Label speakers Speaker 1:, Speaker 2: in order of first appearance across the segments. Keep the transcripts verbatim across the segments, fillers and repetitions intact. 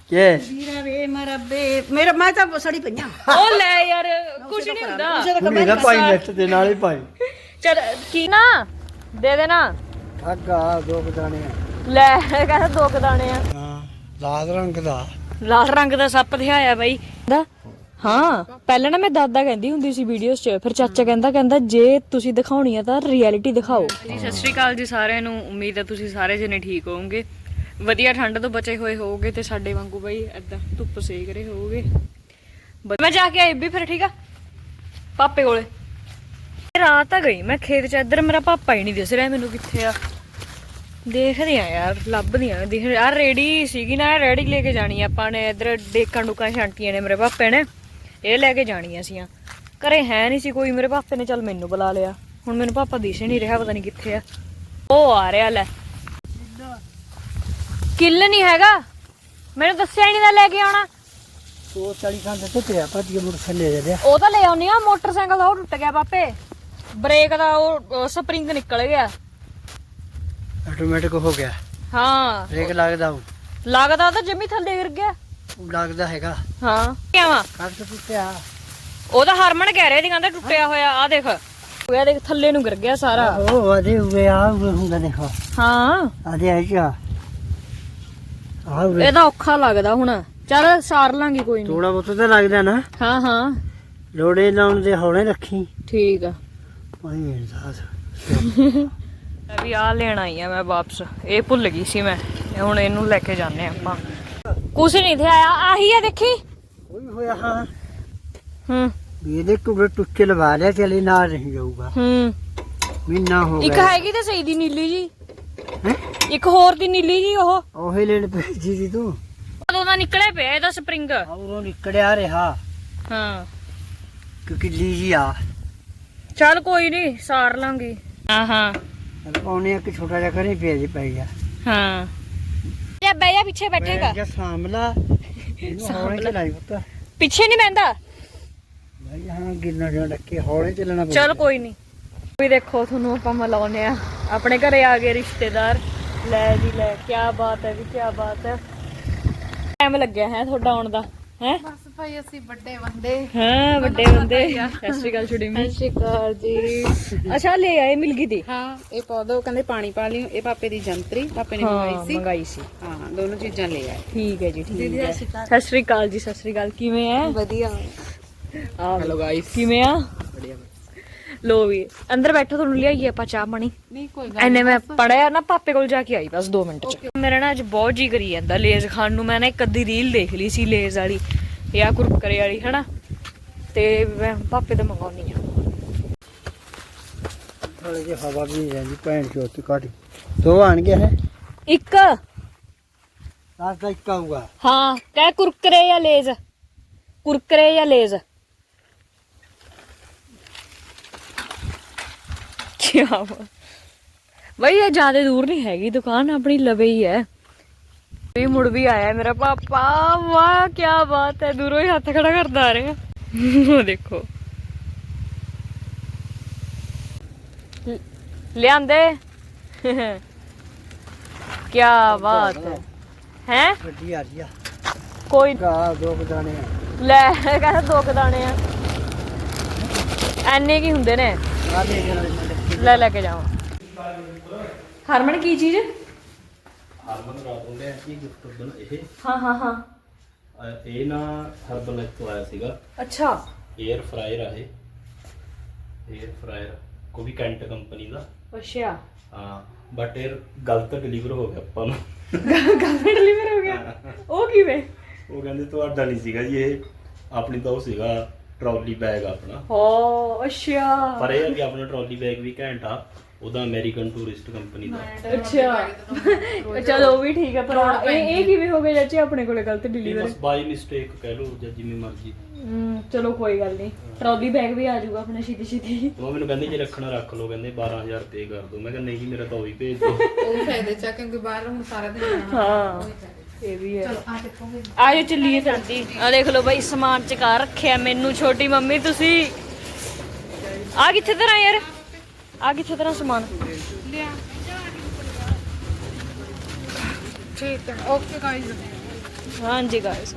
Speaker 1: के
Speaker 2: ਵੀਰਾ ਵੇ ਮੇਰਾ ਬੇ ਮੇਰਾ ਮੈਂ ਤਾਂ ਸੜੀ ਪਈਆਂ
Speaker 3: ਉਹ ਲੈ ਯਾਰ ਕੁਝ ਨਹੀਂ ਹੁੰਦਾ
Speaker 1: कुड़ी ना पाई नेट दे नाल ही पाई
Speaker 3: ਚਲ ਕੀ ਨਾ ਦੇ ਦੇਣਾ
Speaker 1: ठगा दो बदाने
Speaker 3: ਲੈ ਕਹਿੰਦਾ ਦੋ ਕੁ ਦਾਣੇ ਆ
Speaker 1: हां लाल रंग दा
Speaker 3: ਲਾਲ ਰੰਗ ਦਾ ਸੱਪ ਦਿਖਾਇਆ ਬਾਈ ਦਾ ਹਾਂ ਪਹਿਲਾਂ ਨਾ ਮੈਂ ਦਾਦਾ ਕਹਿੰਦੀ ਹੁੰਦੀ ਸੀ ਵੀਡੀਓਜ਼ 'ਚ ਫਿਰ ਚਾਚਾ ਕਹਿੰਦਾ ਕਹਿੰਦਾ ਜੇ ਤੁਸੀਂ ਦਿਖਾਉਣੀ ਆ ਤਾਂ ਰਿਐਲਿਟੀ ਦਿਖਾਓ ਜੀ ਸਤਿ ਸ਼੍ਰੀ ਅਕਾਲ ਜੀ ਸਾਰਿਆਂ ਨੂੰ ਉਮੀਦ ਹੈ ਤੁਸੀਂ ਸਾਰੇ ਜਣੇ ਠੀਕ ਹੋਵੋਗੇ ਵਧੀਆ ਠੰਡ ਤੋਂ ਬਚੇ ਹੋਏ ਹੋਵੋਗੇ ਤੇ ਸਾਡੇ ਵਾਂਗੂ ਬਾਈ ਏਦਾਂ ਧੁੱਪ ਸੇਕ ਰਹੇ ਹੋਵੋਗੇ ਮੈਂ ਜਾ ਕੇ ਆਈ ਵੀ ਫਿਰ ਠੀਕ ਆ ਪਾਪੇ ਕੋਲੇ ਰਾਤ ਆ ਗਈ ਮੈਂ ਖੇਤ 'ਚ ਇੱਧਰ ਮੇਰਾ ਪਾਪਾ ਹੀ ਨਹੀਂ ਦਿਸ ਰਿਹਾ ਮੈਨੂੰ ਕਿੱਥੇ ਆ ਦੇਖਦੇ ਆ ਯਾਰ ਲੱਭਦੀ ਆ ਦੇਖ ਯਾਰ ਰੇੜੀ ਸੀਗੀ ਨਾ ਰੇੜੀ ਲੈ ਕੇ ਜਾਣੀ ਆਪਾਂ ਨੇ ਇੱਧਰ ਡੇਕਾਂ ਡੁਕਾਂ ਛਾਂਟੀਆਂ ਨੇ ਮੇਰੇ ਪਾਪੇ ਨੇ ਇਹ ਲੈ ਕੇ ਜਾਣੀਆਂ ਸੀਆਂ ਘਰੇ ਹੈ ਨਹੀਂ ਸੀ ਕੋਈ ਮੇਰੇ ਪਾਪੇ ਨੇ ਚੱਲ ਮੈਨੂੰ ਬੁਲਾ ਲਿਆ ਹੁਣ ਮੈਨੂੰ ਪਾਪਾ ਦਿਸ ਹੀ ਨਹੀਂ ਰਿਹਾ ਪਤਾ ਨਹੀਂ ਕਿੱਥੇ ਆ ਉਹ ਆ ਰਿਹਾ ਲੈ ਕਿੱਲ ਨਹੀਂ ਹੈਗਾ ਮੈਨੂੰ ਦੱਸਿਆ ਹੀ ਨਹੀਂ ਤਾਂ ਲੈ ਕੇ ਆਉਣਾ
Speaker 1: तो चालीस खान देते थे पर ये मोटर ले दे
Speaker 3: ਉਹ ਤਾਂ ਲੈ ਆਉਣੀ ਆ ਮੋਟਰਸਾਈਕਲ ਦਾ ਉਹ ਟੁੱਟ ਗਿਆ ਪਾਪੇ ਬ੍ਰੇਕ ਦਾ ਉਹ ਸਪਰਿੰਗ ਨਿਕਲ ਗਿਆ
Speaker 1: ऑटोमेटिक हो गया
Speaker 3: ਹਾਂ
Speaker 1: ब्रेक लगदा हूं
Speaker 3: ਲੱਗਦਾ ਤਾਂ ਜੰਮੀ ਥੱਲੇ ਗਿਰ ਗਿਆ
Speaker 1: लगदा हैगा
Speaker 3: ਹਾਂ ਕਿਵੇਂ
Speaker 1: ਕੱਟ ਟੁੱਟਿਆ
Speaker 3: ਉਹ ਤਾਂ ਹਰਮਨ ਕਹਿ ਰਿਹਾ ਸੀ ਕਹਿੰਦਾ ਟੁੱਟਿਆ ਹੋਇਆ ਆ ਦੇਖ ਹੋਇਆ ਦੇਖ ਥੱਲੇ ਨੂੰ ਗਿਰ ਗਿਆ ਸਾਰਾ
Speaker 1: ਉਹ ਆਦੇ ਹੋਏ ਆ ਹੋਏ ਹੁੰਦਾ ਦੇਖੋ
Speaker 3: ਹਾਂ
Speaker 1: ਆਦੇ ਆ ਜਾ ਆ
Speaker 3: ਇਹਦਾ ਔਖਾ ਲੱਗਦਾ ਹੁਣ ਚੱਲ ਸਾਰ ਲਾਂਗੇ ਕੋਈ ਨਹੀਂ
Speaker 1: ਥੋੜਾ ਬਹੁਤ ਤਾਂ ਲੱਗਦਾ ਨਾ
Speaker 3: ਹਾਂ ਹਾਂ
Speaker 1: ਲੋੜੇ ਲਾਉਣ ਦੇ ਹੌਲੇ ਰੱਖੀ
Speaker 3: ਠੀਕ ਆ
Speaker 1: ਭਾਈ ਇਨਸਾਸ
Speaker 3: ਅਭੀ ਆ ਲੈਣ ਆਈ ਆ ਮੈਂ ਵਾਪਸ ਇਹ ਭੁੱਲ ਗਈ ਸੀ ਮੈਂ ਹੁਣ ਇਹਨੂੰ ਲੈ ਕੇ ਜਾਂਦੇ ਆਪਾਂ ਕੁਛ ਨਹੀਂ ਤੇ ਆਇਆ ਆਹੀ ਆ ਦੇਖੀ
Speaker 1: ਕੋਈ ਹੋਇਆ ਹਾਂ
Speaker 3: ਹੂੰ
Speaker 1: ਵੀ ਇਹਦੇ ਟੁੱਟੇ ਟੁੱਟੇ ਲਵਾ ਲਿਆ ਚਲੇ ਨਾਲ ਨਹੀਂ ਜਾਊਗਾ
Speaker 3: ਹੂੰ
Speaker 1: ਮਹੀਨਾ ਹੋ
Speaker 3: ਇੱਕ
Speaker 1: ਗਿਆ
Speaker 3: ਹੈਗੀ ਤੇ ਸਹੀ ਦੀ ਨੀਲੀ ਜੀ
Speaker 1: ਹੈ
Speaker 3: ਇੱਕ ਹੋਰ ਦੀ ਨੀਲੀ ਜੀ ਉਹ
Speaker 1: ਉਹੀ ਲੈਣ ਭੇਜੀ ਸੀ ਤੂੰ
Speaker 3: ਉਦੋਂ ਦਾ ਨਿਕਲੇ ਪਿਆ ਇਹਦਾ ਸਪਰਿੰਗ
Speaker 1: ਉਹ ਨਿਕੜਿਆ ਰਿਹਾ
Speaker 3: ਹਾਂ
Speaker 1: ਕਿਉਂਕਿ ਲੀਜੀ ਆ
Speaker 3: ਚੱਲ ਕੋਈ ਨਹੀਂ ਸਾਰ ਲਾਂਗੇ ਹਾਂ ਹਾਂ
Speaker 1: ਉਹਨੇ ਇੱਕ ਛੋਟਾ ਜਿਹਾ ਘਰੇ ਪਿਆ ਜੀ ਪੈ ਗਿਆ
Speaker 3: ਹਾਂ ਜਾਂ ਬੈ ਜਾ ਪਿੱਛੇ ਬੈਠੇਗਾ
Speaker 1: ਜਾਂ ਸਾਂਭਲਾ ਇਹਨੂੰ ਹੌਲੇ ਚਲਾਈ ਪੁੱਤ
Speaker 3: ਪਿੱਛੇ ਨਹੀਂ ਬੈੰਦਾ
Speaker 1: ਭਾਈ ਹਾਂ ਗਿਰਨਾ ਜਾਂ ਡੱਕੇ ਹੌਲੇ ਚੱਲਣਾ ਪਊ
Speaker 3: ਚਲ ਕੋਈ ਨਹੀਂ ਵੀ ਦੇਖੋ ਤੁਹਾਨੂੰ ਆਪਾਂ ਮਿਲਾਉਨੇ ਆ ਆਪਣੇ ਘਰੇ ਆ ਗਏ ਰਿਸ਼ਤੇਦਾਰ ਲੈ ਜੀ ਲੈ ਕੀ ਬਾਤ ਹੈ ਵੀ ਕੀ ਬਾਤ ਹੈ ਟਾਈਮ ਲੱਗਿਆ ਹੈ ਤੁਹਾਡਾ ਆਉਣ ਦਾ ਹੈ
Speaker 2: ਬਸ ਭਾਈ ਅਸੀਂ ਵੱਡੇ ਬੰਦੇ
Speaker 3: ਹਾਂ ਵੱਡੇ ਬੰਦੇ ਸਤਿ ਸ਼੍ਰੀ ਅਕਾਲ ਛੁੜੀ ਮੀ
Speaker 2: ਸਤਿ ਸ਼੍ਰੀ ਅਕਾਲ ਜੀ
Speaker 3: ਅੱਛਾ ਲੈ ਆਏ ਮਿਲ ਗਈ ਦੀ
Speaker 2: ਹਾਂ ਇਹ ਪੌਦਾ ਉਹ ਕਹਿੰਦੇ ਪਾਣੀ ਪਾ ਲਿਓ ਇਹ ਪਾਪੇ ਦੀ ਜੰਤਰੀ ਪਾਪੇ ਨੇ
Speaker 3: ਹਾਂ
Speaker 2: ਮੰਗਾਈ ਸੀ
Speaker 3: ਮੰਗਾਈ ਸੀ
Speaker 2: ਹਾਂ ਦੋਨੋਂ ਚੀਜ਼ਾਂ ਲੈ ਆਏ
Speaker 3: ਠੀਕ ਹੈ ਜੀ ਠੀਕ ਹੈ ਸਤਿ ਸ਼੍ਰੀ ਅਕਾਲ ਜੀ ਸਤਿ ਸ਼੍ਰੀ ਅਕਾਲ ਕਿਵੇਂ ਹੈ
Speaker 2: ਵਧੀਆ
Speaker 3: ਹੈਲੋ ਗਾਇਸ ਕਿਵੇਂ ਆ ਲੋ ਵੀ ਅੰਦਰ ਬੈਠੋ ਤੁਹਾਨੂੰ ਲਿਆਈਏ ਆਪਾਂ ਚਾਹ ਪਾਣੀ
Speaker 2: ਨਹੀਂ ਕੋਈ
Speaker 3: ਐਨੇ ਮੈਂ ਪੜਿਆ ਨਾ ਪਾਪੇ ਕੋਲ ਜਾ ਕੇ ਆਈ ਬਸ ਦੋ ਮਿੰਟ ਚ ਮੇਰਾ ਨਾ ਅੱਜ ਬਹੁਤ ਜੀ ਕਰੀ ਜਾਂਦਾ ਲੇਜ਼ ਖਾਣ ਨੂੰ ਮੈਂ ਨਾ ਇੱਕ ਅੱਧੀ ਰੀਲ ਦੇਖ ਲਈ ਸੀ ਲੇਜ਼ ਵਾਲੀ ਜਾਂ ਕੁਰਕਰੇ ਵਾਲੀ ਹਨਾ ਤੇ ਮੈਂ ਪਾਪੇ ਤੋਂ ਮੰਗਾਉਣੀ ਆ
Speaker 1: ਥੋੜੇ ਜਿਹਾ ਹਵਾ ਵੀ ਨਹੀਂ ਜਾਂਦੀ ਭੈਣ ਚੋਤੀ ਕਾਟੀ ਦੋ ਆਣ ਗਿਆ ਹੈ
Speaker 3: ਇੱਕ
Speaker 1: ਰਾਤ ਦਾ ਇੱਕ ਆਊਗਾ
Speaker 3: ਹਾਂ ਕਹਿ ਕੁਰਕਰੇ ਜਾਂ ਲੇਜ਼ ਕੁਰਕਰੇ ਜਾਂ ਲੇਜ਼ ਕੀ ਬਈ ਇਹ ਜ਼ਿਆਦਾ ਦੂਰ ਨਹੀਂ ਹੈਗੀ ਦੁਕਾਨ ਆਪਣੀ ਲਵੇ ਹੀ ਹੈ ਵੀ ਮੁੜ ਵੀ ਆਇਆ ਮੇਰਾ ਪਾਪਾ ਵਾਹ ਕੀ ਬਾਤ ਹੈ ਦੂਰੋਂ ਹੀ ਹੱਥ ਖੜਾ ਕਰਦਾ ਆ ਰਿਹਾ ਉਹ ਦੇਖੋ ਲ- ਲਿਆਂਦੇ ਕੀ ਬਾਤ ਹੈ ਹੈ
Speaker 1: ਗੱਡੀ ਆ ਰਹੀ ਆ
Speaker 3: ਕੋਈ
Speaker 1: ਗਾ ਦੋ ਬਦਾਨੇ ਆ
Speaker 3: ਲੈ ਕਹਿੰਦਾ ਦੋ ਕੁ ਦਾਣੇ ਆ ਐਨੇ ਕੀ ਹੁੰਦੇ ਨੇ
Speaker 1: ਆ ਲੈ ਜਾਣਾ
Speaker 3: ਲੈ ਲੈ ਕੇ ਜਾਵਾਂ ਹਰਮਨ ਕੀ ਚੀਜ਼
Speaker 4: ਹਰਮਨ ਰਾਤ ਨੂੰ ਲਿਆ ਸੀ ਗਿਫਟ ਉਦੋਂ ਇਹ
Speaker 3: ਹਾਂ ਹਾਂ ਹਾਂ
Speaker 4: ਅਹ ਇਹ ਨਾ ਹਰਬਲ ਤੋਂ ਆਇਆ ਸੀਗਾ
Speaker 3: ਅੱਛਾ
Speaker 4: 에ਅਰ ਫਰਾਇਰ ਆ ਇਹ 에ਅਰ ਫਰਾਇਰ ਕੋਈ ਵੀ ਕੈਂਟ ਕੰਪਨੀ ਦਾ
Speaker 3: ਅੱਛਾ
Speaker 4: ਹਾਂ ਬਟ ਇਹ ਗਲਤ ਡਿਲੀਵਰ ਹੋ ਗਿਆ ਆਪਾਂ ਨੂੰ
Speaker 3: ਗੱਲ ਡਿਲੀਵਰ ਹੋ ਗਿਆ ਉਹ ਕਿਵੇਂ
Speaker 4: ਉਹ ਕਹਿੰਦੇ ਤੁਹਾਡਾ ਨਹੀਂ ਸੀਗਾ ਜੀ ਇਹ ਆਪਣੀ ਤਾਂ ਉਹ ਸੀਗਾ ਟਰੋਲੀ ਬੈਗ ਆਪਣਾ
Speaker 3: ਹੋ ਅੱਛਾ
Speaker 4: ਪਰ ਇਹ ਹੈ ਕਿ ਆਪਣਾ ਟਰੋਲੀ ਬੈਗ ਵੀ ਘੈਂਟ ਆ ਉਹਦਾ ਅਮਰੀਕਨ ਟੂਰਿਸਟ ਕੰਪਨੀ ਦਾ
Speaker 3: ਅੱਛਾ ਚਲੋ ਉਹ ਵੀ ਠੀਕ ਹੈ ਪਰ ਇਹ ਇਹ ਕਿਵੇਂ ਹੋ ਗਿਆ ਚਾਚੀ ਆਪਣੇ ਕੋਲੇ ਗਲਤ
Speaker 4: ਇਹ
Speaker 3: ਡਿਲੀਵਰ
Speaker 4: ਬਸ ਬਾਈ ਮਿਸਟੇਕ ਕਹਿ ਲਓ ਜਾਂ ਜਿਵੇਂ ਮਰਜ਼ੀ
Speaker 3: ਚਲੋ ਕੋਈ ਗੱਲ ਨਹੀਂ ਟਰੋਲੀ ਬੈਗ ਵੀ ਆ ਜਾਊਗਾ ਆਪਣਾ ਛੇਤੀ ਛੇਤੀ
Speaker 4: ਉਹ ਮੈਨੂੰ ਕਹਿੰਦੇ ਜੇ ਰੱਖਣਾ ਰੱਖ ਲਓ ਕਹਿੰਦੇ ਬਾਰਾਂ ਹਜ਼ਾਰ ਪੇ ਕਰ ਦੋ ਮੈਂ ਕਿਹਾ ਨਹੀਂ ਜੀ ਮੇਰਾ ਤਾਂ ਉਹ ਹੀ ਭੇਜ ਦਿਓ
Speaker 2: ਉਹ ਫਾਇਦੇ ਚ ਆ ਕਿਉਂਕਿ ਬਾਹਰ ਹੁਣ ਸਾਰਾ ਦਿਨ ਰਹਿਣਾ
Speaker 3: ਹਾਂ ਇਹ ਵੀ ਹੈ
Speaker 2: ਆ ਦੇਖੋ
Speaker 3: ਆਜੋ ਚੱਲੀਏ ਸਾਡੀ ਆ ਦੇਖ ਲਓ ਬਾਈ ਸਮਾਨ ਚਕਾ ਰੱਖਿਆ ਮੈਨੂੰ ਛੋਟੀ ਮੰਮੀ ਤੁਸੀਂ ਆ ਕਿੱਥੇ ਤਰ੍ਹਾਂ ਯਾਰ ਆ ਕਿੱਥੇ ਤਰ੍ਹਾਂ ਸਮਾਨ
Speaker 2: ਲਿਆ ਠੀਕ ਹੈ ਓਕੇ ਗਾਇਜ਼
Speaker 3: ਹਾਂਜੀ ਗਾਇਸ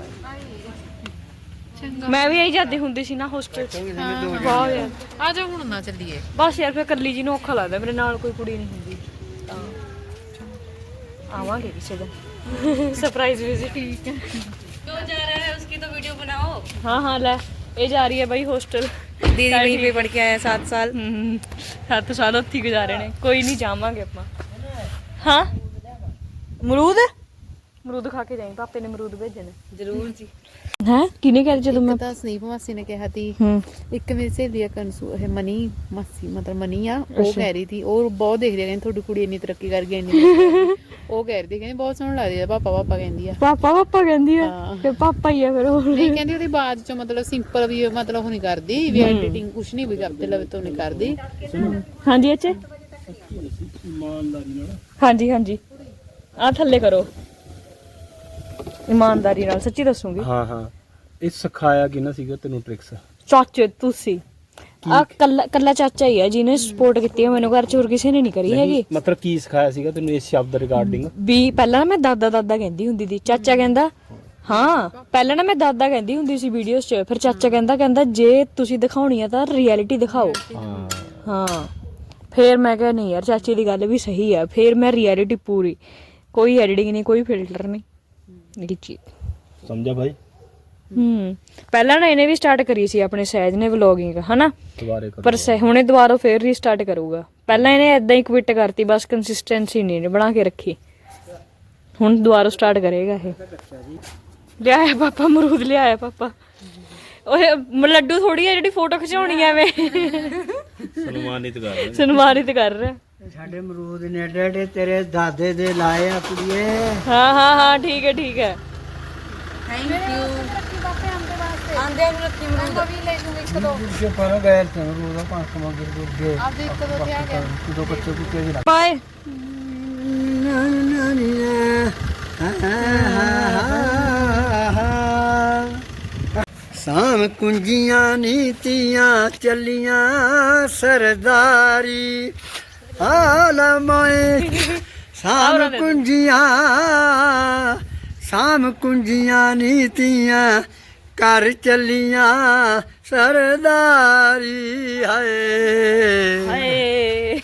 Speaker 3: ਮੈਂ ਵੀ ਇਹੀ ਜਾਂਦੀ ਹੁੰਦੀ ਸੀ ਨਾ ਹੋਸਟਲ ਚ। ਵਾਹ ਯਾਰ
Speaker 2: ਆ ਜਾ ਹੁਣ ਨਾ ਚੱਲੀਏ।
Speaker 3: ਬਸ ਯਾਰ ਫਿਰ ਇਕੱਲੀ ਜੀ ਨੂੰ ਔਖਾ ਲੱਗਦਾ, ਮੇਰੇ ਨਾਲ ਕੋਈ ਕੁੜੀ ਨਹੀਂ ਹੁੰਦੀ ਤਾਂ ਆਵਾਂਗੇ ਕਿਸੇ ਦਿਨ ਸਰਪ੍ਰਾਈਜ਼ ਵਿਜ਼ਿਟ। ਠੀਕ ਹੈ ਜੋ ਜਾ रहा है उसकी तो वीडियो बनाओ। हाँ हाँ ले ये जा रही है भाई हॉस्टल।
Speaker 2: ਦੀਦੀ वहीं पे पढ़ के आया सात साल।
Speaker 3: सत्त साल उत्थे गुजारे ने, कोई नहीं जावांगे ਆਪਾਂ। हाँ अमरूद अमरूद खा के जाएं, पापे ने अमरूद भेजे ने।
Speaker 2: ਜ਼ਰੂਰ ਜੀ।
Speaker 3: है किने कह ਜਦੋਂ ਮੈਂ
Speaker 2: ਤਾਂ ਸਨੀਪ ਮਾਸੀ ਨੇ ਕਿਹਾ ਤੀ,
Speaker 3: ਹੂੰ
Speaker 2: ਇੱਕ ਮੇਰੀ ਸਹੇਲੀ ਆ ਕੰਸੂ ਇਹ ਮਨੀ ਮਾਸੀ ਮਤਲਬ ਮਨੀ ਆ, ਉਹ ਕਹਿ ਰਹੀ ਸੀ ਉਹ ਬਹੁਤ ਦੇਖਦੀ ਆ, ਕਹਿੰਦੀ ਤੁਹਾਡੀ ਕੁੜੀ ਇੰਨੀ ਤਰੱਕੀ ਕਰ ਗਈ ਇੰਨੀ ਉਹ ਕਹਿ ਰਹੀ ਸੀ, ਕਹਿੰਦੀ ਬਹੁਤ ਸੋਹਣਾ ਲੱਗਦੀ ਆ ਪਾਪਾ ਪਾਪਾ ਕਹਿੰਦੀ ਆ।
Speaker 3: ਪਾਪਾ ਪਾਪਾ ਕਹਿੰਦੀ ਆ
Speaker 2: ਹਾਂ।
Speaker 3: ਫਿਰ ਪਾਪਾ ਹੀ ਆ ਫਿਰ ਉਹ।
Speaker 2: ਨਹੀਂ ਕਹਿੰਦੀ ਉਹਦੀ ਬਾਤ ਚੋਂ ਮਤਲਬ ਸਿੰਪਲ ਵੀ ਮਤਲਬ ਉਹ ਨਹੀਂ ਕਰਦੀ ਵੀ ਐਡੀਟਿੰਗ ਕੁਛ ਨਹੀਂ ਵੀ ਕਰਦੇ ਲਵੇ ਤੋਂ ਨਹੀਂ ਕਰਦੀ।
Speaker 3: ਹਾਂਜੀ ਅੱਛੇ ਹਾਂਜੀ ਹਾਂਜੀ ਆ ਥੱਲੇ ਕਰੋ ਇਮਾਨਦਾਰੀ ਨਾਲ ਸੱਚੀ ਦੱਸੂਗੀ।
Speaker 4: ਹਾਂ ਹਾਂ ਇਹ ਸਿਖਾਇਆ ਕਿਹਨਾਂ ਸੀਗਾ ਤੈਨੂੰ ਟ੍ਰਿਕਸ?
Speaker 3: ਚਾਚੇ ਤੁਸੀਂ ਆ ਕੱਲਾ ਕੱਲਾ ਚਾਚਾ ਹੀ ਆ ਜਿਹਨੇ ਸਪੋਰਟ ਕੀਤੀ ਹੈ ਮੈਨੂੰ, ਘਰ ਚ ਹੋਰ ਕਿਸੇ ਨੇ ਨਹੀਂ ਕਰੀ ਹੈਗੀ।
Speaker 4: ਮਤਲਬ ਕੀ ਸਿਖਾਇਆ ਸੀਗਾ ਤੈਨੂੰ ਇਸ ਸ਼ਬਦ ਰਿਗਾਰਡਿੰਗ?
Speaker 3: ਵੀ ਪਹਿਲਾਂ ਨਾ ਮੈਂ ਦਾਦਾ ਦਾਦਾ ਕਹਿੰਦੀ ਹੁੰਦੀ ਸੀ, ਚਾਚਾ ਕਹਿੰਦਾ ਹਾਂ ਪਹਿਲਾਂ ਨਾ ਮੈਂ ਦਾਦਾ ਕਹਿੰਦੀ ਹੁੰਦੀ ਸੀ ਵੀਡੀਓਜ਼ 'ਚ, ਫਿਰ ਚਾਚਾ ਕਹਿੰਦਾ ਕਹਿੰਦਾ ਜੇ ਤੁਸੀਂ ਦਿਖਾਉਣੀ ਆ ਤਾਂ ਰਿਐਲਿਟੀ ਦਿਖਾਓ।
Speaker 4: ਹਾਂ
Speaker 3: ਹਾਂ ਫਿਰ ਮੈਂ ਕਿਹਾ ਨਹੀਂ ਯਾਰ ਚਾਚੀ ਦੀ ਗੱਲ ਵੀ ਸਹੀ ਆ, ਫਿਰ ਮੈਂ ਰਿਐਲਿਟੀ ਪੂਰੀ, ਕੋਈ ਐਡੀਟਿੰਗ ਨਹੀਂ ਕੋਈ ਫਿਲਟਰ ਨਹੀਂ ਇਹ ਚੀਜ਼
Speaker 4: ਸਮਝਿਆ ਭਾਈ?
Speaker 3: ਹੂੰ ਪਹਿਲਾਂ ਨਾ ਇਹਨੇ ਵੀ ਸਟਾਰਟ ਕਰੀ ਸੀ ਆਪਣੇ ਸਹਿਜ ਨੇ ਵਲੌਗਿੰਗ ਹਨਾ,
Speaker 4: ਦੁਬਾਰੇ ਕਰੋ
Speaker 3: ਪਰ ਸਹਿ ਹੁਣੇ ਦੁਬਾਰਾ ਫੇਰ ਰੀਸਟਾਰਟ ਕਰੂਗਾ। ਪਹਿਲਾਂ ਇਹਨੇ ਏਦਾਂ ਹੀ ਕੁਇਟ ਕਰਤੀ, ਬਸ ਕੰਸਿਸਟੈਂਸੀ ਨਹੀਂ ਬਣਾ ਕੇ ਰੱਖੀ, ਹੁਣ ਦੁਬਾਰਾ ਸਟਾਰਟ ਕਰੇਗਾ ਇਹ। ਲਿਆਇਆ ਪਾਪਾ ਅਮਰੂਦ, ਲਿਆਇਆ ਪਾਪਾ। ਉਹ ਲੱਡੂ ਥੋੜੀ ਆ ਜਿਹੜੀ ਫੋਟੋ ਖਿਚਾਉਣੀ ਐ ਐਵੇਂ
Speaker 4: ਸਨਮਾਨਿਤ ਕਰ ਰਹੇ
Speaker 3: ਸਨਮਾਨਿਤ ਕਰ ਰਿਹਾ।
Speaker 1: ਸਾਡੇ ਅਮਰੂਦ ਨੇ ਏਡੇ ਏਡੇ ਤੇਰੇ ਦਾਦੇ ਦੇ ਲਾਏ ਆ ਕੁੜੀਏ।
Speaker 3: ਹਾਂ ਹਾਂ ਹਾਂ ਠੀਕ ਹੈ ਠੀਕ ਹੈ।
Speaker 2: ਥੈਂਕ ਯੂ ਆਂਦੇ ਨੂੰ ਰੱਖੀ ਮੈਨੂੰ ਵੀ ਲੈ ਜੂਗੇ ਇੱਕ ਦੋ
Speaker 1: ਪਿੱਛੇ ਪਰ ਗਏ ਤੇ ਅਮਰੂਦ ਆ ਪੰਜ ਸੌ ਮੰਗੇ ਗੁੱਗੇ
Speaker 2: ਆਪਦੇ ਇੱਕ ਦੋ ਤੇ ਆ ਗਿਆ
Speaker 1: ਦੋ ਬੱਚੇ ਕੁੱਤੇ ਵੀ
Speaker 3: ਬਾਏ।
Speaker 1: ਸਾਮ ਕੁੰਜੀਆਂ ਨੀਤੀਆਂ ਚੱਲੀਆਂ ਸਰਦਾਰੀ ਆਲਮਾਏ ਸਾਮ ਕੁੰਜੀਆਂ ਸਾਮ ਕੁੰਜੀਆਂ ਨੀਤੀਆਂ ਕਰ ਚੱਲੀਆਂ ਸਰਦਾਰੀ ਹਾਏ
Speaker 3: ਹਾਏ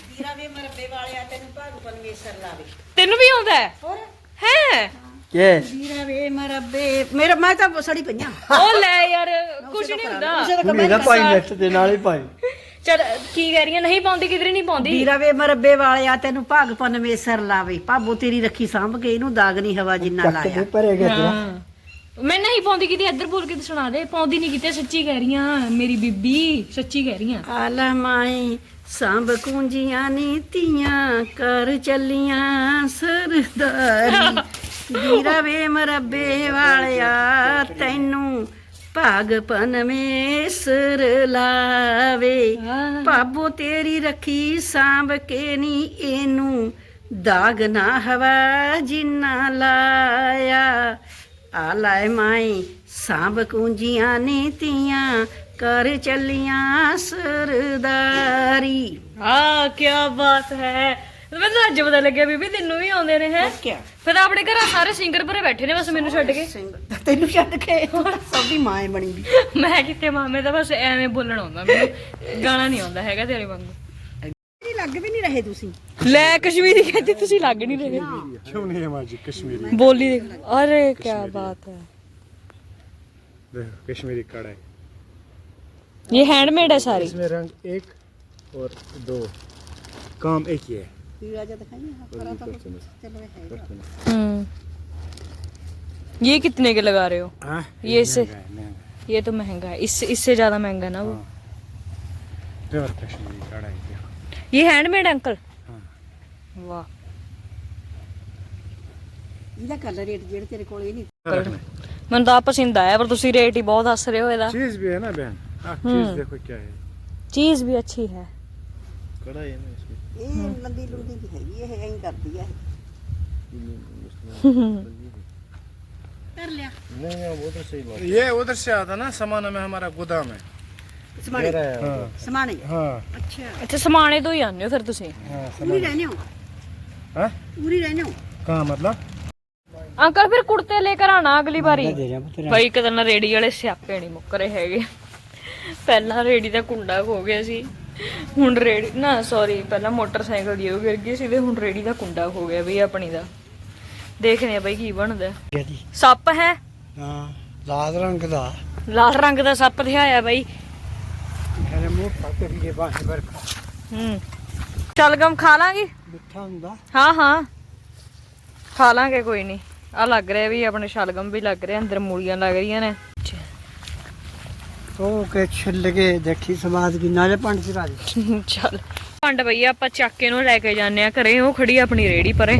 Speaker 3: ਤੈਨੂੰ ਵੀ ਆਉਂਦਾ ਹੈ ਹੈ
Speaker 1: ਕੇ
Speaker 5: ਵੀਰਾ ਵੇ ਮਰਬੇ ਮੇਰਾ ਮੈਂ ਤਾਂ ਸੜੀ ਪਈਆਂ
Speaker 3: ਉਹ ਲੈ ਯਾਰ ਕੁਝ ਨਹੀਂ ਹੁੰਦਾ।
Speaker 1: ਕੁੜੀ ਦਾ ਭਾਈ ਨੈਟ ਦੇ ਨਾਲ ਹੀ ਭਾਈ
Speaker 3: ਚਲ ਕੀ ਕਹਿ ਰਹੀ ਹੈ, ਨਹੀਂ ਪਾਉਂਦੀ ਕਿਧਰੇ ਨਹੀਂ ਪਾਉਂਦੀ।
Speaker 5: ਵੀਰਾ ਵੇ ਮਰਬੇ ਵਾਲਿਆ ਤੈਨੂੰ ਭਾਗ ਪਨਵੇਸਰ ਲਾਵੇ, ਭਾਬੋ ਤੇਰੀ ਰੱਖੀ ਸਾਂਭ ਕੇ ਇਹਨੂੰ ਦਾਗ ਨਹੀਂ ਹਵਾ ਜਿੰਨਾ
Speaker 1: ਚੱਕ
Speaker 5: ਲਾਇਆ।
Speaker 1: ਦੇ ਭਰੇ ਗਏ ਤੇਰਾ
Speaker 3: ਮੈਂ ਨਹੀਂ ਪਾਉਂਦੀ ਕਿਤੇ, ਇੱਧਰ ਬੋਲ ਕੇ ਤੇ ਸੁਣਾ ਦੇ। ਪਾਉਂਦੀ ਨਹੀਂ ਕਿਤੇ, ਸੱਚੀ ਕਹਿ ਰਹੀ ਆ ਮੇਰੀ ਬੀਬੀ, ਸੱਚੀ ਕਹਿ ਰਹੀ ਆ।
Speaker 5: ਆਲਮਾਈ ਸਾਂਭ ਕੁੰਜੀਆਂ ਨੀਤੀਆਂ ਕਰ ਚੱਲੀਆਂ ਸਰਦਾਰੀ ਵੀਰਾ ਵੇ ਮਰਬੇ ਵਾਲਿਆ ਤੈਨੂੰ ਭਾਗ ਪਨਵੇਸਰ ਲਾਵੇ, ਭਾਬੋ ਤੇਰੀ ਰੱਖੀ ਸਾਂਭ ਕੇ ਨੀ ਇਹਨੂੰ ਦਾਗ ਨਾ ਹਵਾ ਜਿੰਨਾ ਲਾਇਆ। ਆ ਲੈ ਮਾਈ ਸਾਂਭ ਕੁੰਜੀਆਂ ਨੀਤੀਆਂ ਕਰ ਚੱਲੀਆਂ ਸਰਦਾਰੀ।
Speaker 3: ਹਾਂ ਕੀ ਬਾਤ ਹੈ, ਮੈਨੂੰ ਅੱਜ ਪਤਾ ਲੱਗਿਆ ਬੀਬੀ ਤੈਨੂੰ ਵੀ ਆਉਂਦੇ ਨੇ ਹੈ।
Speaker 5: ਕਿਆ
Speaker 3: ਫਿਰ ਆਪਣੇ ਘਰ ਸਾਰੇ ਸਿੰਗਰ ਭਰੇ ਬੈਠੇ ਨੇ, ਬਸ ਮੈਨੂੰ ਛੱਡ ਕੇ।
Speaker 5: ਤੈਨੂੰ ਛੱਡ ਕੇ ਸਭ ਦੀ ਮਾਂ ਬਣੀ ਵੀ।
Speaker 3: ਮੈਂ ਕਿਤੇ ਮਾਮੇ ਦਾ ਬਸ ਐਵੇਂ ਬੋਲਣ ਆਉਂਦਾ, ਮੈਨੂੰ ਗਾਣਾ ਨਹੀਂ ਆਉਂਦਾ ਹੈਗਾ ਤੇਰੇ ਵਾਂਗੂ।
Speaker 5: ਨਹੀਂ ਲੱਗ ਵੀ ਨਹੀਂ ਰਹੇ ਤੁਸੀਂ।
Speaker 3: ਲੈ ਕਸ਼ਮੀਰੀ ਕਹਿੰਦੀ ਤੁਸੀਂ ਲੱਗ ਨਹੀਂ ਰਹੇ।
Speaker 1: क्यों नहीं है माजी कश्मीरी?
Speaker 3: बोली देख, अरे क्या बात है,
Speaker 1: देखो कश्मीरी कढ़ाई,
Speaker 3: ये हैंडमेड है सारी।
Speaker 1: इसमें रंग एक और दो, काम एक ही है।
Speaker 3: हम्म ये कितने के लगा रहे हो?
Speaker 1: हाँ?
Speaker 3: ये इससे
Speaker 1: महंगा है, महंगा है।
Speaker 3: ये तो महंगा है, इससे इससे ज्यादा महंगा है ना वो।
Speaker 1: प्योर कश्मीरी कढ़ाई देखो।
Speaker 3: ये हैंडमेड है अंकल?
Speaker 1: हाँ।
Speaker 3: वाह
Speaker 5: ਇਹਦਾ ਕਲਰ ਰੇਟ ਜਿਹੜੇ ਤੇਰੇ ਕੋਲ ਇਹ ਨਹੀਂ।
Speaker 3: ਮੈਨੂੰ ਤਾਂ ਪਸੰਦ ਆਇਆ, ਪਰ ਤੁਸੀਂ ਰੇਟ ਹੀ ਬਹੁਤ ਹੱਸ ਰਹੇ ਹੋ ਇਹਦਾ।
Speaker 1: चीज भी है ना बहन, आप चीज देखो क्या है।
Speaker 3: चीज भी अच्छी है।
Speaker 1: कढ़ाई है ना इसमें।
Speaker 5: ਇਹ ਲੰਦੀ ਲੁੰਦੀ ਦੀ ਹੈਗੀ, ਇਹ ਐਂ ਕਰਦੀ ਆ। ਕਰ ਲਿਆ
Speaker 1: नहीं नहीं वो तो सही बात है। ये उधर से आता ना सामान में हमारा गोदाम है।
Speaker 5: ਸਮਾਣੇ
Speaker 1: हाँ
Speaker 5: ਸਮਾਣੇ
Speaker 1: हाँ
Speaker 5: ਅੱਛਾ
Speaker 3: ਅੱਛਾ ਸਮਾਣੇ ਤੋਂ ਹੀ ਆਉਂਦੇ ਹੋ ਫਿਰ ਤੁਸੀਂ?
Speaker 1: हाँ
Speaker 5: ਪੂਰੀ ਰਹਿੰਦੇ ਹੋ?
Speaker 1: हाँ
Speaker 5: ਪੂਰੀ ਰਹਿੰਦੇ ਹੋ?
Speaker 1: कहाँ मतलब?
Speaker 3: ਅੰਕਲ ਫਿਰ ਕੁੜਤੇ ਲੈ ਕਰ ਆਣਾ ਅਗਲੀ ਵਾਰੀ
Speaker 1: ਦੇ ਰਿਹਾ ਪੁੱਤ
Speaker 3: ਬਾਈ ਇੱਕ ਦਿਨ ਰੇੜੀ ਵਾਲੇ ਸਿਆਪੇ ਨਹੀਂ ਮੁੱਕ ਰਹੇ ਹੈਗੇ ਪਹਿਲਾਂ ਰੇੜੀ ਦਾ ਕੁੰਡਾ ਖੋ ਗਿਆ ਸੀ ਹੁਣ ਰੇੜੀ ਨਾ ਸੌਰੀ ਪਹਿਲਾਂ ਮੋਟਰਸਾਈਕਲ ਦੀ ਉਹ ਗਿਰ ਗਈ ਸੀ ਤੇ ਹੁਣ ਰੇੜੀ ਦਾ ਕੁੰਡਾ ਖੋ ਗਿਆ ਬਈ ਆਪਣੀ ਦਾ ਦੇਖਦੇ ਆ ਬਾਈ ਕੀ ਬਣਦਾ
Speaker 1: ਜੀ
Speaker 3: ਸੱਪ ਹੈ
Speaker 1: ਹਾਂ ਲਾਲ ਰੰਗ ਦਾ
Speaker 3: ਲਾਲ ਰੰਗ ਦਾ ਸੱਪ ਦਿਖਾਇਆ ਬਾਈ
Speaker 1: ਮੇਰੇ ਮੂੰਹ ਪੱਕੇ ਵੀ ਜੇ ਬਾਹਰ ਵਰਖਾ
Speaker 3: ਹੂੰ ਸ਼ਲਗਮ ਖਾ ਲਾਂਗੇ
Speaker 1: ਮਿੱਠਾ ਹੁੰਦਾ
Speaker 3: ਹਾਂ ਹਾਂ ਖਾ ਲਾਂਗੇ ਕੋਈ ਨਹੀਂ ਆ ਲੱਗ ਰਿਹਾ ਵੀ ਆਪਣੇ ਸ਼ਲਗਮ ਵੀ ਲੱਗ ਰਿਹਾ ਅੰਦਰ ਮੂਲੀਆਂ ਲੱਗ ਰਹੀਆਂ ਨੇ
Speaker 1: ਉਹ ਕੇ ਛਿੱਲ ਕੇ ਦੇਖੀ ਸਵਾਦ ਕੀ ਨਾਲੇ ਪੰਡ ਚ ਰਾਜ
Speaker 3: ਚੱਲ ਭੰਡ ਭਈਆ ਆਪਾਂ ਚੱਕ ਕੇ ਨੂੰ ਲੈ ਕੇ ਜਾਂਦੇ ਆ ਘਰੇ ਉਹ ਖੜੀ ਆਪਣੀ ਰੇੜੀ ਪਰੇ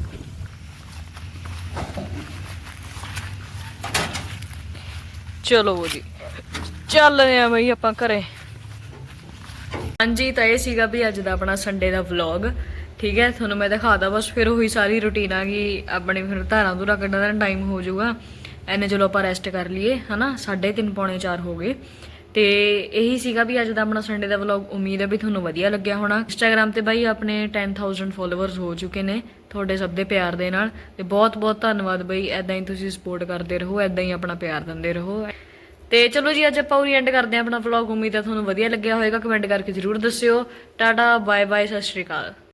Speaker 3: ਚਲੋ ਜੀ ਚੱਲਦੇ ਆ ਬਈ ਆਪਾਂ ਘਰੇ ਹਾਂਜੀ ਤਾਂ ਇਹ ਸੀਗਾ ਵੀ ਅੱਜ ਦਾ ਆਪਣਾ ਸੰਡੇ ਦਾ ਵਲੌਗ ਠੀਕ ਹੈ ਤੁਹਾਨੂੰ ਮੈਂ ਦਿਖਾਦਾ ਬਸ ਫਿਰ ਉਹੀ ਸਾਰੀ ਰੁਟੀਨ ਆ ਗਈ ਆਪਣੀ ਫਿਰ ਧਾਰਾਂ ਧੂਰਾਂ ਕੱਢਣ ਦਾ ਟਾਈਮ ਹੋ ਜਾਊਗਾ ਐਨੇ ਚਲੋ ਆਪਾਂ ਰੈਸਟ ਕਰ ਲਈਏ ਹਨਾ ਸਾਢੇ ਤਿੰਨ ਪੌਣੇ ਚਾਰ ਹੋ ਗਏ ਤੇ ਇਹੀ ਸੀਗਾ ਵੀ ਅੱਜ ਦਾ ਆਪਣਾ ਸੰਡੇ ਦਾ ਵਲੌਗ ਉਮੀਦ ਹੈ ਵੀ ਤੁਹਾਨੂੰ ਵਧੀਆ ਲੱਗਿਆ ਹੋਣਾ ਇੰਸਟਾਗ੍ਰਾਮ ਤੇ ਬਾਈ ਆਪਣੇ ਦਸ ਹਜ਼ਾਰ ਫੋਲੋਅਰਸ ਹੋ ਚੁੱਕੇ ਨੇ ਤੁਹਾਡੇ ਸਭ ਦੇ ਪਿਆਰ ਦੇ ਨਾਲ ਤੇ ਬਹੁਤ ਬਹੁਤ ਧੰਨਵਾਦ ਬਾਈ ਐਦਾਂ ਹੀ ਤੁਸੀਂ ਸਪੋਰਟ ਕਰਦੇ ਰਹੋ ਐਦਾਂ ਹੀ ਆਪਣਾ ਪਿਆਰ ਦਿੰਦੇ ਰਹੋ ਤੇ ਚਲੋ ਜੀ ਅੱਜ ਆਪਾਂ ਉਰੀ ਐਂਡ ਕਰਦੇ ਹਾਂ ਆਪਣਾ ਵਲੌਗ ਉਮੀਦ ਹੈ ਤੁਹਾਨੂੰ ਵਧੀਆ ਲੱਗਿਆ ਹੋਵੇਗਾ ਕਮੈਂਟ ਕਰਕੇ ਜ਼ਰੂਰ ਦੱਸਿਓ ਟਾਟਾ ਬਾਏ ਬਾਏ ਸਤਿ ਸ਼੍ਰੀ ਅਕਾਲ